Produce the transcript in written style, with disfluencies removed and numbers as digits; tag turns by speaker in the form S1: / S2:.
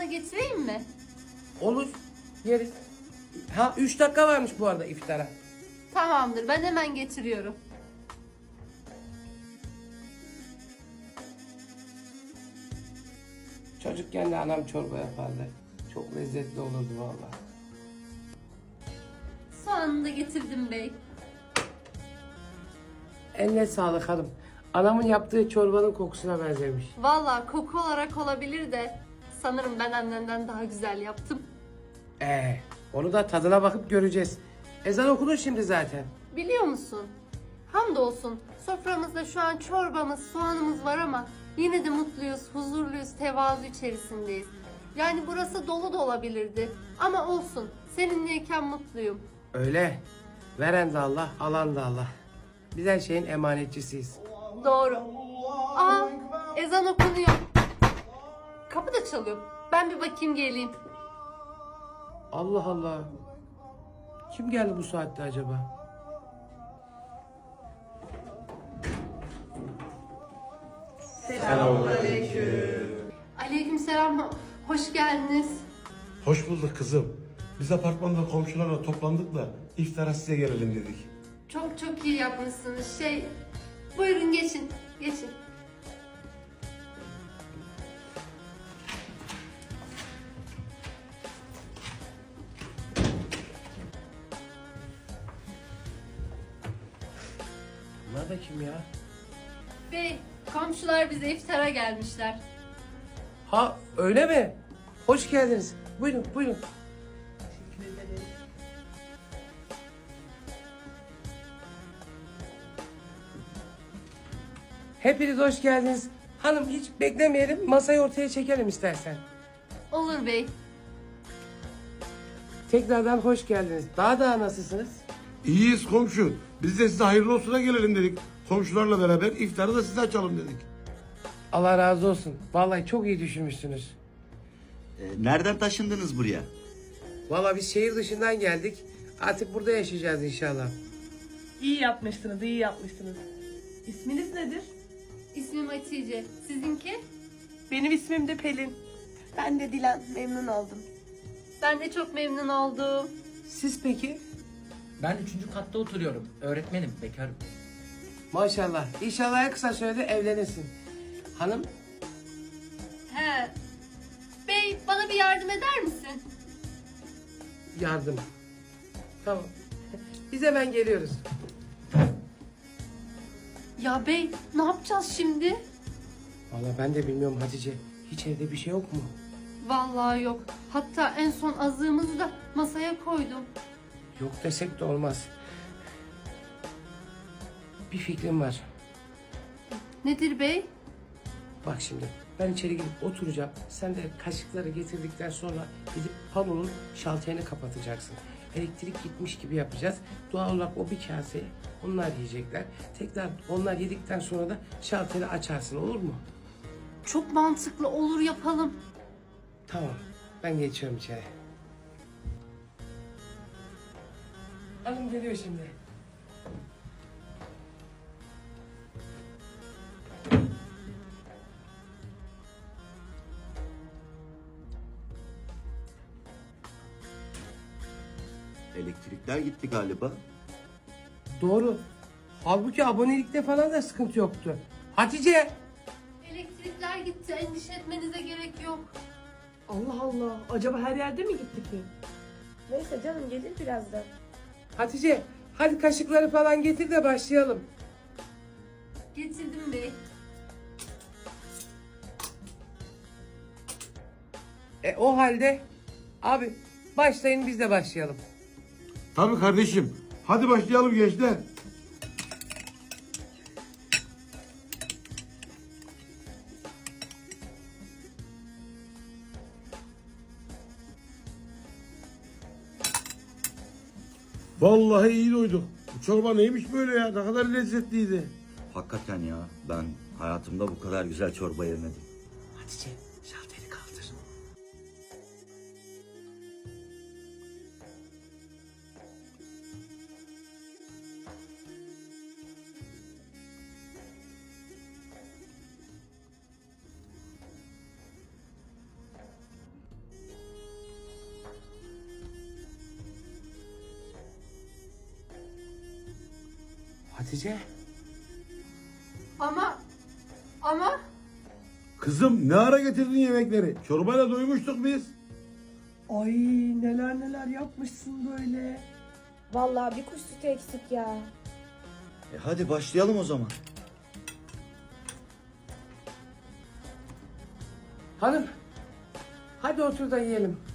S1: sana getireyim mi?
S2: Olur. Yeriz. Ha 3 dakika varmış bu arada iftara.
S1: Tamamdır, ben hemen getiriyorum.
S2: Çocukken de anam çorba yapardı. Çok lezzetli olurdu vallahi.
S1: Soğanını da getirdim bey.
S2: Eline sağlık hanım. Anamın yaptığı çorbanın kokusuna benzemiş.
S1: Vallahi koku olarak olabilir de sanırım ben annenden daha güzel yaptım.
S2: Onu da tadına bakıp göreceğiz. Ezan okunur şimdi zaten.
S1: Biliyor musun? Hamdolsun soframızda şu an çorbamız, soğanımız var ama yine de mutluyuz, huzurluyuz, tevazu içerisindeyiz. Yani burası dolu da olabilirdi ama olsun. Seninleyken mutluyum.
S2: Öyle. Veren de Allah, alan da Allah. Biz her şeyin emanetçisiyiz.
S1: Doğru. Aa, ezan okunuyor. Kapı da çalıyor. Ben bir bakayım geleyim.
S2: Allah Allah. Kim geldi bu saatte acaba?
S1: Aleykümselam. Hoş geldiniz.
S3: Hoş bulduk kızım. Biz apartmanda komşularla toplandık da iftara size gelelim dedik.
S1: Çok çok iyi yapmışsınız. Buyurun geçin. Geçin.
S2: Bunlar da kim ya?
S1: Bey, komşular bize iftara gelmişler.
S2: Ha öyle mi? Hoş geldiniz. Buyurun buyurun. Hepiniz hoş geldiniz. Hanım hiç beklemeyelim, masayı ortaya çekelim istersen.
S1: Olur bey.
S2: Tekrardan hoş geldiniz. Daha nasılsınız?
S3: İyiyiz komşu. Biz de size hayırlı olsuna gelelim dedik. Komşularla beraber iftarı da size açalım dedik.
S2: Allah razı olsun. Vallahi çok iyi düşünmüşsünüz.
S4: Nereden taşındınız buraya?
S2: Vallahi biz şehir dışından geldik. Artık burada yaşayacağız inşallah.
S5: İyi yapmışsınız, iyi yapmışsınız. İsminiz nedir?
S1: İsmim Hatice. Sizinki?
S5: Benim ismim de Pelin.
S6: Ben de Dilan, memnun oldum.
S1: Ben de çok memnun oldum.
S2: Siz peki?
S7: Ben 3. katta oturuyorum. Öğretmenim, bekarım.
S2: Maşallah. İnşallah en kısa sürede evlenirsin. Hanım?
S1: He. Bey, bana bir yardım eder misin?
S2: Yardım. Tamam. Biz hemen geliyoruz.
S1: Ya bey, ne yapacağız şimdi?
S2: Vallahi ben de bilmiyorum Hatice. Hiç evde bir şey yok mu?
S1: Vallahi yok. Hatta en son azığımızı da masaya koydum.
S2: Yok desek de olmaz. Bir fikrim var.
S1: Nedir bey?
S2: Bak şimdi ben içeri gidip oturacağım. Sen de kaşıkları getirdikten sonra gidip panonun şalterini kapatacaksın. Elektrik gitmiş gibi yapacağız. Doğal olarak o bir kaseyi onlar yiyecekler. Tekrar onlar yedikten sonra da şalteri açarsın, olur mu?
S1: Çok mantıklı, olur yapalım.
S2: Tamam. Ben geçiyorum içeri. Hanım geliyor şimdi.
S4: Elektrikler gitti galiba.
S2: Doğru. Halbuki abonelikte falan da sıkıntı yoktu. Hatice!
S1: Elektrikler gitti, endişe etmenize gerek yok.
S5: Allah Allah, acaba her yerde mi gitti ki?
S6: Neyse canım, gelir birazdan.
S2: Hatice hadi kaşıkları falan getir de başlayalım.
S1: Getirdim bey.
S2: O halde abi başlayın, biz de başlayalım.
S3: Tabii kardeşim. Hadi başlayalım gençler. Vallahi iyi doyduk. Bu çorba neymiş böyle ya? Ne kadar lezzetliydi.
S4: Hakikaten ya, ben hayatımda bu kadar güzel çorba yemedim.
S2: Hatice şalteri kaldır. Hatice.
S1: Ama
S3: Kızım ne ara getirdin yemekleri? Çorbayla doymuştuk biz.
S5: Ay neler neler yapmışsın böyle.
S6: Vallahi bir kuş sütü eksik ya.
S4: Hadi başlayalım o zaman.
S2: Hanım. Hadi otur da yiyelim.